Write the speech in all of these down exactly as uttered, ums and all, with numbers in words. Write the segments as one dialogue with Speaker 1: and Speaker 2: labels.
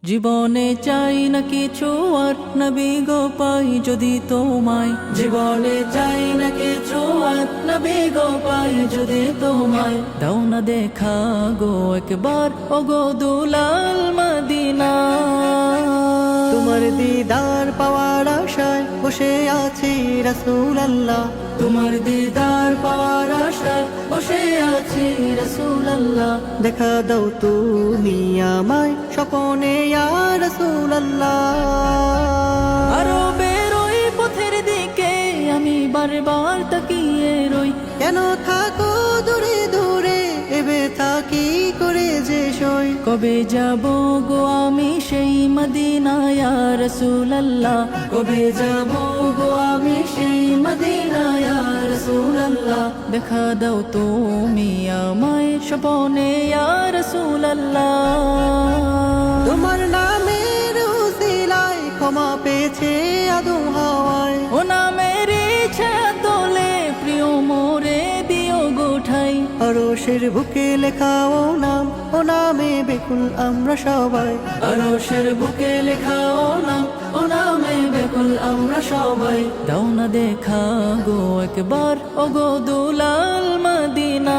Speaker 1: জীবনে চাই না কিছু আর নবী গো পাই যদি তোমায়। জীবনে চাই না কিছু আর নবী গো পাই যদি তোমায়। দাও না দেখা গো একবার ও গো দুলাল মদিনা।
Speaker 2: তোমার দিদার পাওয়ার আশায় বসে আছি রাসূলুল্লাহ।
Speaker 1: তোমার দিদার পাওয়ার আশায় বসে আছি রাসূলুল্লাহ।
Speaker 2: দেখা দাও তুমি আমায় স্বপনে ইয়া রাসূলুল্লাহ।
Speaker 1: আরো বেরোই পথের দিকে আমি বারবার তাকিয়ে রই।
Speaker 2: কেন থাকো দূরে দূরে এবে থাকি করে যে সই।
Speaker 1: কবে যাব গো আমি সেই মদিনা ইয়া রাসূলুল্লাহ। কবে যাব গো আমি সেই মদিনা ইয়া রাসূলুল্লাহ। দেখা দাও তুমি আমায় স্বপনে ইয়া রাসূলুল্লাহ।
Speaker 2: তোমার নামের উসিলায় ক্ষমা পেয়েছে আদম হাওয়ায়।
Speaker 1: ও নামের ইচ্ছা তোলে প্রিয় মোরে দিও গোঠাই।
Speaker 2: আরশের বুকে লেখা ও নাম, ও নামে বেকুল আমরা সবাই।
Speaker 1: আরশের বুকে লেখা ও নাম, ও নামে বেকুল আমরা সবাই। দাও না দেখা গো একবার ও গো দুলাল মদিনা।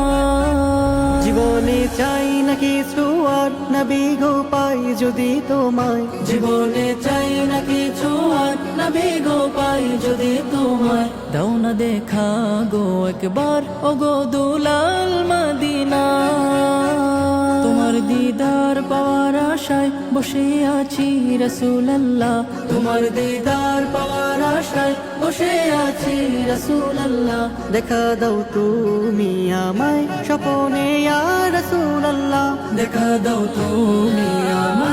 Speaker 2: জীবনে চাই না কিছু আর নবী গো পাই যদি তোমায়।
Speaker 1: জীবনে চাই না কিছু আর নবী গো পাই যদি তোমায়। দাও না দেখা গো একবার ও গো দুলাল মদিনা। তোমার দিদার পাওয়ার আশায় বসে আছি রাসূলুল্লাহ। তোমার দিদার পাওয়ার আশায় বসে আছি রাসূলুল্লাহ।
Speaker 2: দেখা দাও তুমি আমায় স্বপনে ইয়া রাসূলুল্লাহ।
Speaker 1: দেখা দাও তুমি আমায়